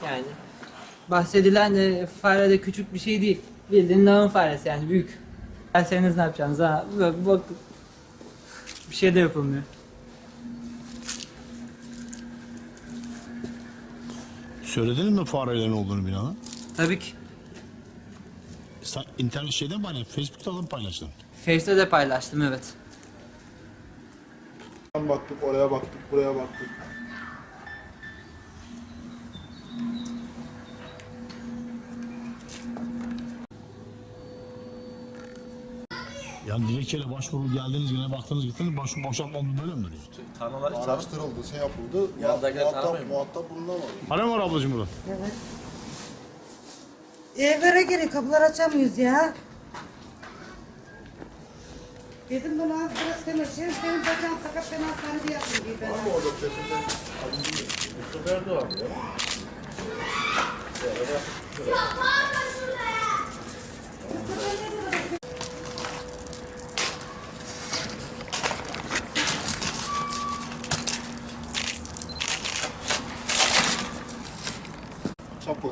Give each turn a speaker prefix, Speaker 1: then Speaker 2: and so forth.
Speaker 1: Yani bahsedilen fare de küçük bir şey değil. Bildiğin lağım faresi yani büyük. Derseniz ne yapacaksınız ha? Bak bir şey de yapılmıyor.
Speaker 2: Söylediniz mi farelerin olduğunu binanın?
Speaker 1: Tabii ki.
Speaker 2: Sen internet şeyden mi Facebook'ta da mı paylaştın?
Speaker 1: Face'te de paylaştım, evet.
Speaker 3: Baktık, oraya baktık, buraya baktık.
Speaker 2: Yani dilekçeyle başvuru geldiniz yine baktınız gittiniz boşanma oldu böyle mi duruyor?
Speaker 3: Araştırıldı, şey yapıldı. Muhatap bulunamadı.
Speaker 2: Alo var ablacığım burada.
Speaker 4: Evet. Evlere girin, kapıları açamıyoruz ya. Dedim bunu az biraz konuşayım, benim bacağım sakat, ben hastanede yapayım diye ben.
Speaker 3: Var mı orada sesinden? Mustafa Erdoğan ya. Çaput.